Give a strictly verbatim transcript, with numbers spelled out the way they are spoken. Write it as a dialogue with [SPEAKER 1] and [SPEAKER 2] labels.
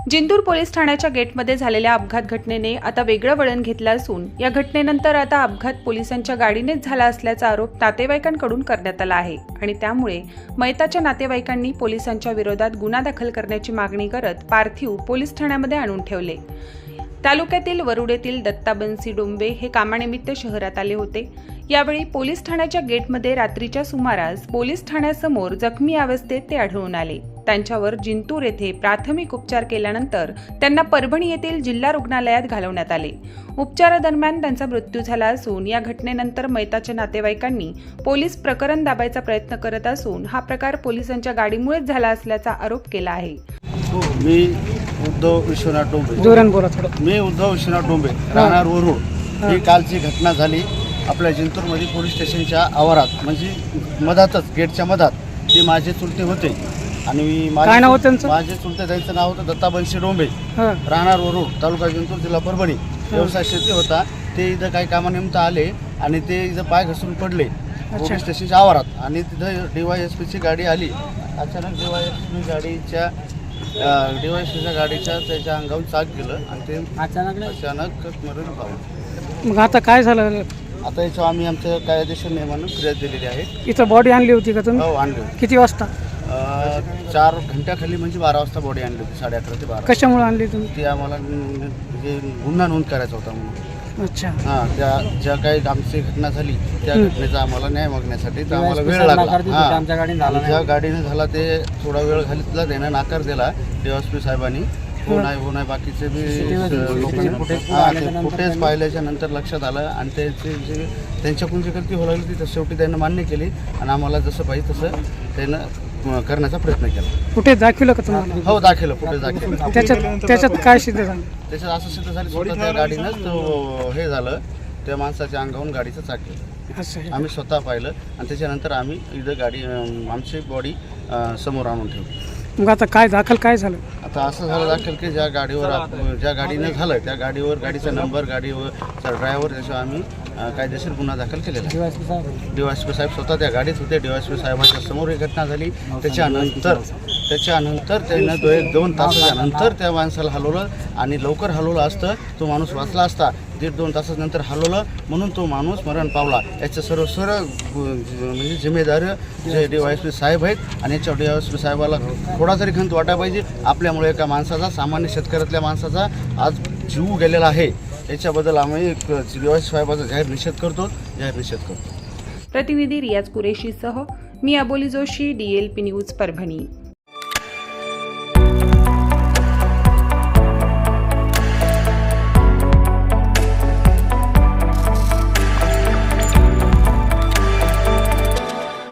[SPEAKER 1] Jintur police ठाण्याच्या गेटमध्ये झालेल्या अपघात घटनेने आता वेगळं वळण घेतलं असून या घटनेनंतर आता अपघात पोलिसांच्या गाडीनेच झाला असल्याचा आरोप नातेवाईकांकडून करण्यात आला आहे आणि त्यामुळे मयताच्या नातेवाईकांनी पोलिसांच्या विरोधात गुन्हा दाखल करण्याची मागणी करत पार्थिव पोलीस ठाण्यामध्ये आणून ठेवले। तालुक्यातील वरुड येथील दत्ता बन्सी डोंबे हे कामानिमित्त शहरात आले होते। यावेळी पोलीस ठाण्याच्या गेटमध्ये रात्रीच्या सुमारास पोलीस ठाण्यासमोर जखमी अवस्थेत ते आढळून आले। त्यांच्यावर जिंतूर येथे प्राथमिक उपचार केल्यानंतर त्यांना परभणी येथील जिल्हा रुग्णालयात घालवण्यात आले। उपचारादरम्यान त्यांचा मृत्यू झाला असून या घटनेनंतर मयताच्या नातेवाईकांनी पोलीस प्रकरण दाबायचा प्रयत्न करत असून हा प्रकार पोलिसांच्या गाडीमुळेच झाला असल्याचा आरोप केला आहे।
[SPEAKER 2] मी उद्धव विश्वनाथ डोंबे
[SPEAKER 3] जोरान बोला थोडं।
[SPEAKER 2] मी उद्धव विश्वनाथ डोंबे राहणार वरुड। ही कालची घटना झाली आपल्या जिंतूरमध्ये पोलीस स्टेशनच्या आवारात, म्हणजे मधातच गेटच्या मधात। ते माझे चुलते होते आणि
[SPEAKER 3] काय नाव होतं त्यांचं?
[SPEAKER 2] माझे चुलते त्यांचं नाव होतं दत्ता बन्सी डोंबे, राहणार वरुड, तालुका जिंतूर, जिल्हा परभणी। व्यवसाय शेती होता। ते इथं काही कामानिमित्त आले आणि ते इथं पाय घसरून पडले पोलीस स्टेशनच्या आवारात आणि तिथं डीवायएसपीची गाडी आली। अचानक डीवायएसपी गाडीच्या डीवायएसपीच्या गाडीच्या त्याच्या अंगावर चाक गेलं आणि ते अचानक अचानक मरण पावलं।
[SPEAKER 3] मग आता काय झालं?
[SPEAKER 2] आता याच्यावर आम्ही आमच्या कायदेशीर नियमानं फिर्याद दिलेली आहे।
[SPEAKER 3] इथं बॉडी आणली होती का तुम्ही?
[SPEAKER 2] हो, आणली होती।
[SPEAKER 3] किती वाजता?
[SPEAKER 2] चार घंट्याखाली, म्हणजे बारा वाजता बॉडी आणली होती, साडे अकरा ते बारा।
[SPEAKER 3] कशामुळे आणली तुम्ही?
[SPEAKER 2] ती आम्हाला म्हणजे गुन्हा नोंद करायचा होता म्हणून।
[SPEAKER 3] अच्छा।
[SPEAKER 2] हां, त्या ज्या काही आमची घटना झाली त्या घटनेचा आम्हाला न्याय मागण्यासाठी तर आम्हाला वेळ लागला। आमच्या गाडीने झाला ते थोडा वेळ घालीतला, त्यानं नाकार दिला डीवायएसपी साहेबांनी। हो नाही हो नाही बाकीचे बी लोकांनी फुटेज पाहिल्याच्या नंतर लक्षात आलं आणि त्यांचे जे त्यांच्याकडून जी गलती होऊ लागली ती शेवटी त्यानं मान्य केली आणि आम्हाला जसं पाहिजे तसं त्यानं करण्याचा प्रयत्न केला।
[SPEAKER 3] फुटेज दाखवलं का तुम्हाला?
[SPEAKER 2] हो, दाखवलं, फुटेज दाखवलं।
[SPEAKER 3] त्याच्यात त्याच्यात काय सिद्ध झालं?
[SPEAKER 2] त्याच्यात असं सिद्ध झालं स्वतः त्या गाडीनंच तो हे झालं, त्या माणसाच्या अंगावरून गाडीचं चाक गेलं।
[SPEAKER 3] असं
[SPEAKER 2] आम्ही स्वतः पाहिलं आणि त्याच्यानंतर आम्ही इथं गाडी आमची बॉडी समोर आणून ठेवली।
[SPEAKER 3] मग आता काय दाखल काय झालं?
[SPEAKER 2] आता असं झालं दाखल की ज्या गाडीवर ज्या गाडीनं झालं त्या गाडीवर गाडीचा नंबर, गाडीवर ड्रायव्हर, त्याच्यावर आम्ही कायदेशीर गुन्हा दाखल केलेला आहे। डीवायएसपी साहेब स्वतः त्या गाडीत होते। डीवायएसपी साहेबांच्या समोर ही घटना झाली। त्याच्यानंतर त्याच्यानंतर त्यानं दो एक दोन तासाच्या नंतर त्या माणसाला हलवलं आणि लवकर हलवलं असतं तो माणूस वाचला असता। दीड दोन तासानंतर हलवलं म्हणून तो माणूस मरण पावला। याचं सर्व सर्व म्हणजे जिम्मेदार जे डीवायएसपी साहेब आहेत आणि याच्या डीवायएसपी साहेबाला थोडा तरी खंत वाटायला पाहिजे। आपल्यामुळे एका माणसाचा, सामान्य शेतकऱ्यातल्या माणसाचा आज जीव गेलेला आहे। याच्याबद्दल आम्ही डीवायएसपी साहेबाचा जाहीर निषेध करतो जाहीर निषेध करतो।
[SPEAKER 1] प्रतिनिधी रियाज कुरेशीसह मी Aboli Joshi, D L P news, Parbhani.